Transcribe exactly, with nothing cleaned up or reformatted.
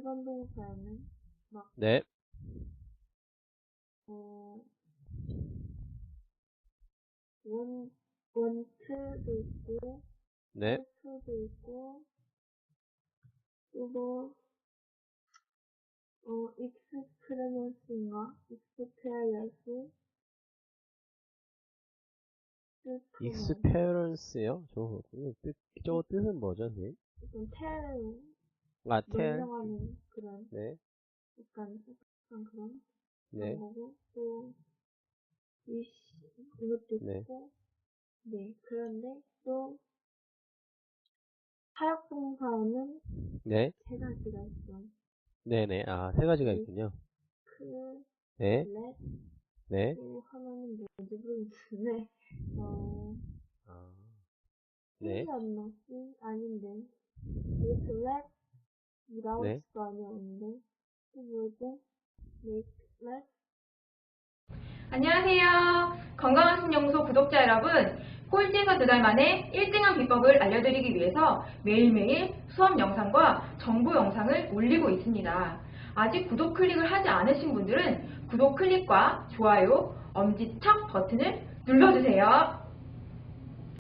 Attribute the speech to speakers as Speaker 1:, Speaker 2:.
Speaker 1: 번 동사에는 막,
Speaker 2: 네.
Speaker 1: 어, 원, 원트도 있고,
Speaker 2: 네.
Speaker 1: 투도 있고, 또 뭐, 어, experience인가? experience?
Speaker 2: experience요? 저, 뜻, 저 뜻은 뭐죠, 선생님?
Speaker 1: 약간 tell,
Speaker 2: 아, tell.
Speaker 1: 명령하는 그런,
Speaker 2: 네.
Speaker 1: 약간, 약간 그런, 그런
Speaker 2: 네.
Speaker 1: 거고, 또, wish, 이것도
Speaker 2: 네.
Speaker 1: 있고, 네, 그런데 또, 사역동사에는
Speaker 2: 네.
Speaker 1: 세 가지가 있어.
Speaker 2: 네네. 아, 세 가지가
Speaker 1: make,
Speaker 2: 있군요.
Speaker 1: let,
Speaker 2: 네. 네.
Speaker 1: 또 하나는 뭐지 모르겠는데, 어,
Speaker 2: 아, 네.
Speaker 1: C였나? C? 아닌데. make, let,
Speaker 2: 네.
Speaker 1: without가 아니었는데, 또 뭐지? make, let,
Speaker 3: 안녕하세요. 건강한 신연구소 구독자 여러분, 꼴찌에서 두 달 만에 일 등한 비법을 알려드리기 위해서 매일매일 수업 영상과 정보 영상을 올리고 있습니다. 아직 구독 클릭을 하지 않으신 분들은 구독 클릭과 좋아요, 엄지척 버튼을 눌러주세요.